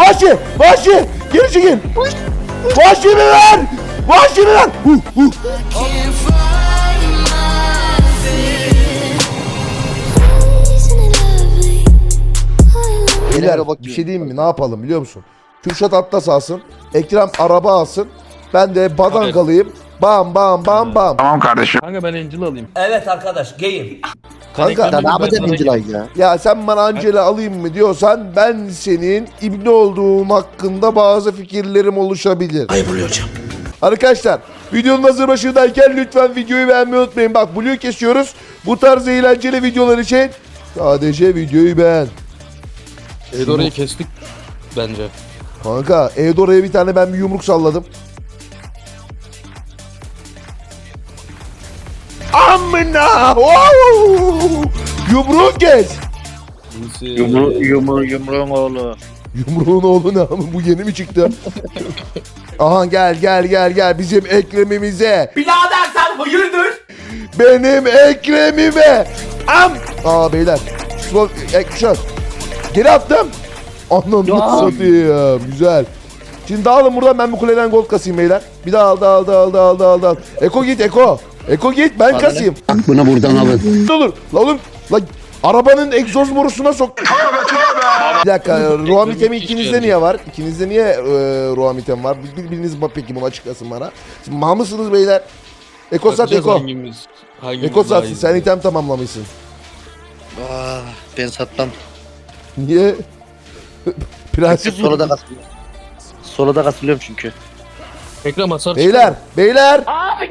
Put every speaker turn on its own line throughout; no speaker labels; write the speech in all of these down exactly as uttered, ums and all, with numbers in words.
Vahşi! Vahşi! Geri çekil! Vahşi mi ver? Vahşi mi ver? Huh, huh. Beyler bir şey diyeyim mi? Ne yapalım biliyor musun? Kürşat Atlas alsın. Ekrem araba alsın. Ben de badangalıyım. Bam bam bam bam.
Tamam kardeşim.
Kanka ben Angel alayım.
Evet arkadaş geyim.
Kanka
Sen ne yapacaksın
Angel ya?
ya sen bana Angela alayım mı diyorsan ben senin ibne olduğum hakkında bazı fikirlerim oluşabilir.
Ayıp oluyor hocam.
Arkadaşlar videonun hazır başındayken lütfen videoyu beğenmeyi unutmayın. Bak Blue'yu kesiyoruz. Bu tarz eğlenceli videolar için sadece videoyu beğen.
Eudora'yı kestik bence.
Kanka Eudora'ya bir tane ben bir yumruk salladım. Amına! Wow! Yumruğu kes.
Yumru, yumru, yumruğun oğlu.
Yumruğun oğlu ne abi? Bu yeni mi çıktı? Aha gel gel gel gel bizim Ekrem'imize.
Birader sen hayırdır?
Benim Ekrem'ime. Am. Aa beyler. Slow action. Geri attım. Ananı satayım. Güzel. Şimdi dağılın buradan, ben bu kuleden gold kasayım beyler. Bir daha al dağıl dağıl dağıl dağıl dağıl. Eko git Eko. Eko git ben
Bana
kasayım.
Bunu buradan alın.
Ne olur. La oğlum. La arabanın egzoz borusuna sok. Bir dakika. Ruhamitemi ikinizde niye var? İkinizde niye e, Ruhamitem var? Bir, biriniz bak peki bunu açıklasın bana. Siz mal mısınız beyler? Eko sat
Bakacağız
Eko.
Hangimiz, hangimiz
Eko
daha
satsın.
iyi.
Sen item tamamlamışsın.
Aa, ben satmam.
Niye? Prensip mi?
Sola da kasılıyorum. Sola da kasılıyorum çünkü.
Ekrem hasar
Beyler, beyler.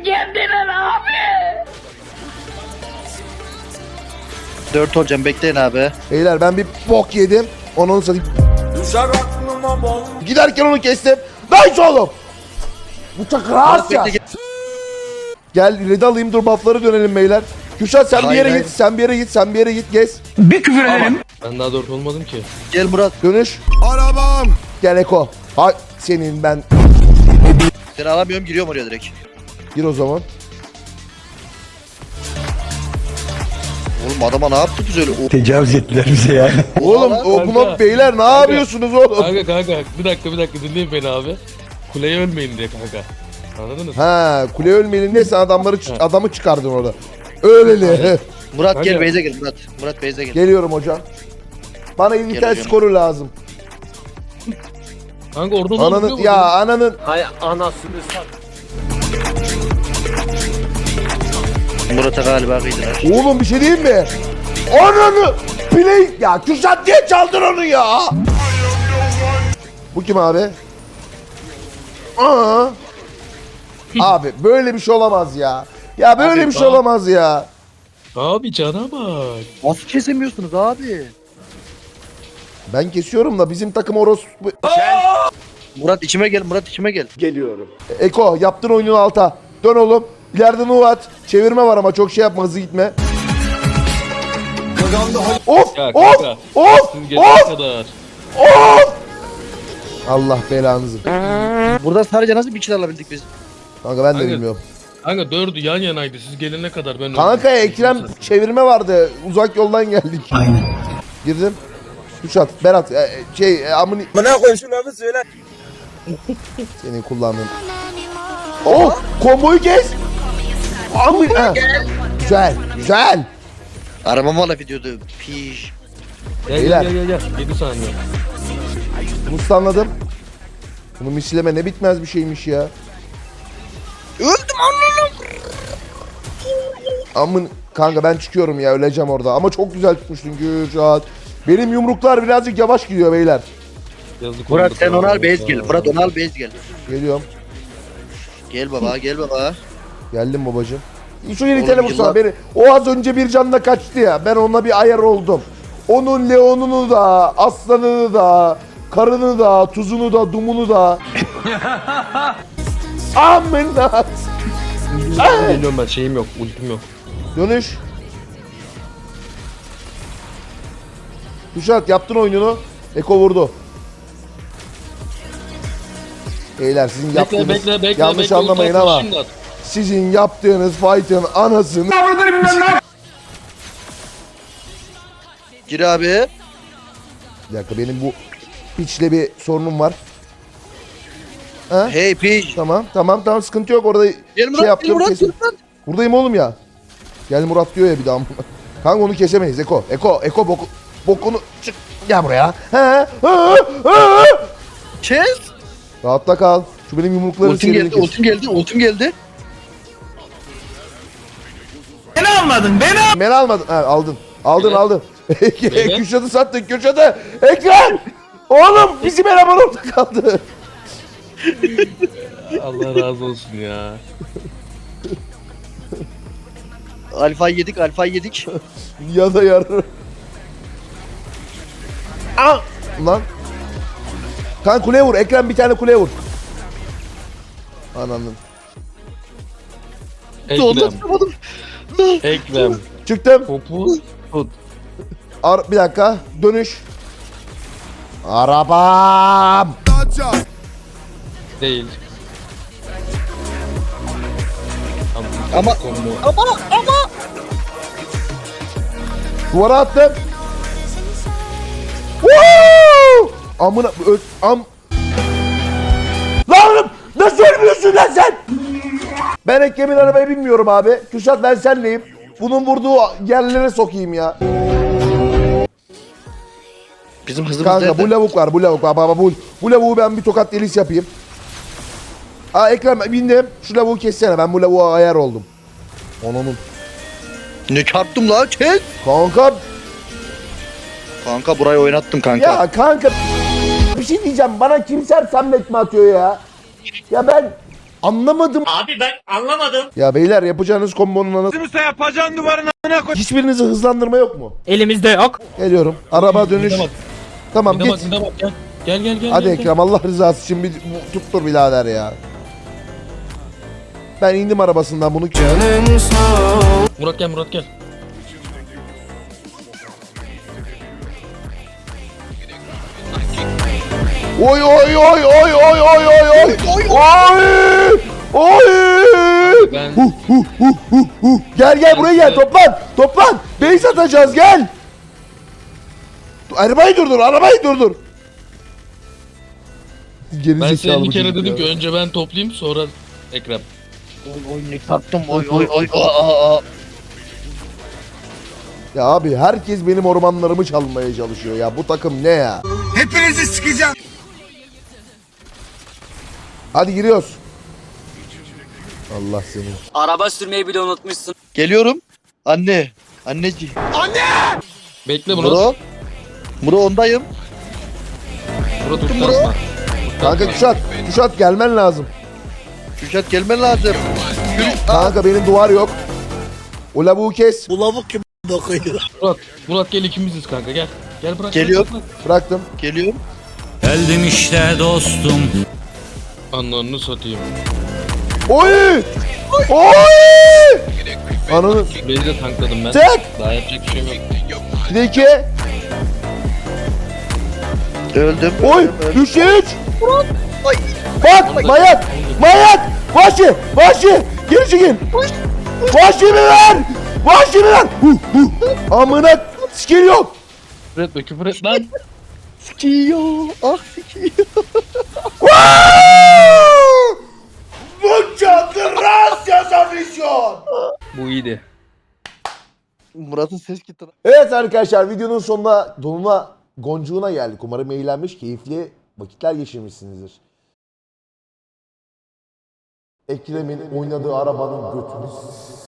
Dört olacağım, bekleyin abi.
Beyler ben bir bok yedim. Onu satayım. Giderken onu kestim. Nice oğlum. Bıçak rahat ya.
Bekle,
Gel red alayım, dur buff'lara dönelim beyler. Kürşat sen bir
Hayır,
yere
hayır.
git, sen bir yere git, sen bir yere git, gez.
Ben daha dört olmadım ki.
Gel Murat.
Dönüş. Arabam. Gel Eko. Hay senin ben.
Seni alamıyorum, giriyorum oraya direkt.
Gir o zaman.
Oğlum adama ne yaptık öyle? O-
Tecavüz ettiler bize yani.
Oğlum
Kanka.
o buna beyler ne yapıyorsunuz oğlum?
Kanka kanka bir dakika bir dakika dinleyin beni abi. Kuleye ölmeyin diye kanka. Anladınız mı?
Ha, kule ölmeyelim diye sen adamları çı- adamı çıkardın orada. Öyleli.
Murat
Kanka.
gel Beyze gel Murat. Murat Beyze gel.
Geliyorum hocam. Bana İngiltere
hocam.
skoru lazım.
Kanka oradan
Ananın
oluyor mu?
ya ananın.
Hay anasını sat.
Murat'a galiba kıydılar.
Oğlum bir şey diyeyim mi? Ananı play ya Kürşat diye çaldın onu ya. Bu kim abi? Aa. Abi böyle bir şey olamaz ya. Ya böyle
Abi
bir şey
bak.
olamaz ya.
Abi cana bak.
Nasıl kesemiyorsunuz abi?
Ben kesiyorum da bizim takım orospu.
Murat içime gel, Murat içime gel.
Eko yaptın oyunun alta. Dön oğlum. İleride nu at. Çevirme var ama çok şey yapma, hızlı gitme. Of
Ya
of
kanka.
of
Siz geçene
of
kadar.
of. Allah belanızı.
Burada sadece nasıl bir kill alabildik biz?
Kanka ben de
Kanka,
bilmiyorum.
Kanka dördü yan yanaydı siz gelene kadar ben
Kanka
öldüm.
Ekrem çevirme vardı. Uzak yoldan geldik. Aynen. Girdim. Kürşat, Berat, e, şey, e, amını...
Bana koy şu lafı söyle.
Senin kullandığın. Oh! Komboyu kes! Amın... Ha. Güzel, güzel.
Arabam valla videoda. Piş.
Gel
Beyler.
gel gel gel. yedi saniye.
Mustanladım. Bunu misleme ne bitmez bir şeymiş ya.
Öldüm anladım.
Amın... Kanka ben çıkıyorum ya, öleceğim orada. Ama çok güzel tutmuştun Kürşat. Benim yumruklar birazcık yavaş gidiyor beyler.
Yazık
Murat
oldu
sen
sana.
onu al Beyz gel. Murat onu al Beyz gel.
Geliyorum.
Gel baba gel baba.
Geldim babacığım. Şu yeni
Oğlum,
telefon sana
yıllar-
beni. O az önce bir canla kaçtı ya. Ben ona bir ayar oldum. Onun Leon'unu da, aslanını da, karını da, tuzunu da, dumunu da. Amına.
Geliyorum ben şeyim yok ultim yok.
Dönüş. Kuşat yaptın oyununu. Eko vurdu. Beyler sizin
Bekle
yaptığınız
bekle bekle.
yanlış
bekle,
anlamayın
ulti
ama
atma, şimdi at.
sizin yaptığınız fight'ın anasını.
Gir abi.
Bir dakika benim bu Piç'le bir sorunum var. Ha?
Hey piç.
Tamam tamam tamam sıkıntı yok orada
Gel
şey
Murat, gel
yaptım
Murat,
kesin.
gel Murat.
Buradayım oğlum ya. Gel Murat diyor ya bir daha. Kanka onu kesemeyiz Eko. Eko Eko boku, bokunu çık. Gel buraya. He, he, he.
Kes.
Rahatta kal. Şu benim yumrukların
Ultim
serini
geldi,
kes.
ultim geldi, ultim geldi.
Beni almadın. Ha, aldın. Aldın
Evet.
aldın.
Evet.
Kürşat'ı sattın Kürşat'ı. Ekran. Oğlum bizim eleman orada kaldı.
Allah razı olsun ya.
Alfa yedik, alfa yedik.
Ya da yarı. Aa! Lan. Kan kuleye vur. Ekrem bir tane kuleye vur. Anladım.
Oldu,
Ekrem.
tutamadım.
Ekrem.
Çıktım.
Topu tut.
Ar bir dakika. Dönüş. Arabam.
Değil.
Ama-
Combo.
Ama, ama.
Duvara attım. Woo! Amına ö- am. Lan oğlum nasıl ölmüyorsun lan sen? Ben Ekrem'in arabaya binmiyorum abi. Kürşat ben senleyim. Bunun vurduğu yerlere sokayım ya.
Bizim hızımız
Kanka
nerede?
bu lavuk var bu lavuk var baba bu. Bu lavuğu ben bir tokat delis yapayım. Aa Ekrem bindim. Şu lavuğu kessene ben bu lavuğa ayar oldum. Onun.
Ne çarptım la? Kes.
Kanka
Kanka burayı oynattım kanka.
ya kanka bir şey diyeceğim bana kimser sammet mi atıyor ya? Ya ben anlamadım.
Abi ben anlamadım.
Ya beyler yapacağınız kombonun anası.
Kimse yapacağın duvarın a**ına koy.
Hiçbirinize hızlandırma yok mu?
Elimizde yok.
Geliyorum. Araba dönüş.
Bir de bak,
Tamam
bir de bak,
git.
bir de bak, gel. Gel gel gel.
Hadi
gel, gel.
Ekrem Allah rızası için bir tuttur birader ya. Ben indim arabasından bunu.
Murat gel Murat gel.
Oy oy oy oy oy oy oy oy. Oy! Oy!
Ben
Huh, huh, huh, huh, huh. Gel gel buraya gel toplan. Toplan. Base atacağız gel. Arabayı durdur, arabayı durdur. Geri
ben
zekalı
size bir
bu
kere
çocuk
dedim
ya.
ki önce ben toplayayım sonra Ekrem.
Oy oy ne çarptım. Oy oy oy. Aa, aa.
Ya abi herkes benim ormanlarımı çalmaya çalışıyor ya. Bu takım ne ya?
Hepinizi sikeceğim.
Hadi giriyoruz. Allah seni.
Araba sürmeyi bile unutmuşsun.
Geliyorum. Anne. Anneciğim.
Bekle Murat.
Muro. Muro ondayım.
Murat
Murat.
uçtasma.
Kanka Kuşat, Kuşat gelmen lazım.
Kürşat gelmen lazım. Kür- Aa,
Kanka benim duvar yok. O lavuğu kes.
Murat, Murat gel ikimiziz kanka gel. Gel bırak.
Geliyor.
bırak, bırak.
Bıraktım.
Geliyorum.
Geldim işte dostum.
Anlarını satayım.
Oy! Oy! Ananı
Beni de tankladım ben.
tek.
Daha yapacak bir şeyim yok.
Bir de iki.
Öldüm.
Oy!
öldüm, öldüm.
Üçte üç.
Ay.
Bak! Mayat! Mayat! Vahşi! Vahşi! Geri çekin! Vahşi mi ver? Vahşi mi ver? Huh, huh. Amına skill yok.
Küfür etme küfür et lan.
Sikiyor. Ah sikiyor.
Mucha gracias afición.
Bu iyiydi.
Murat'ın ses gitti.
Evet arkadaşlar videonun sonuna donuna goncuğuna geldik. Umarım eğlenmiş, keyifli vakitler geçirmişsinizdir. Ekrem'in oynadığı arabanın götünü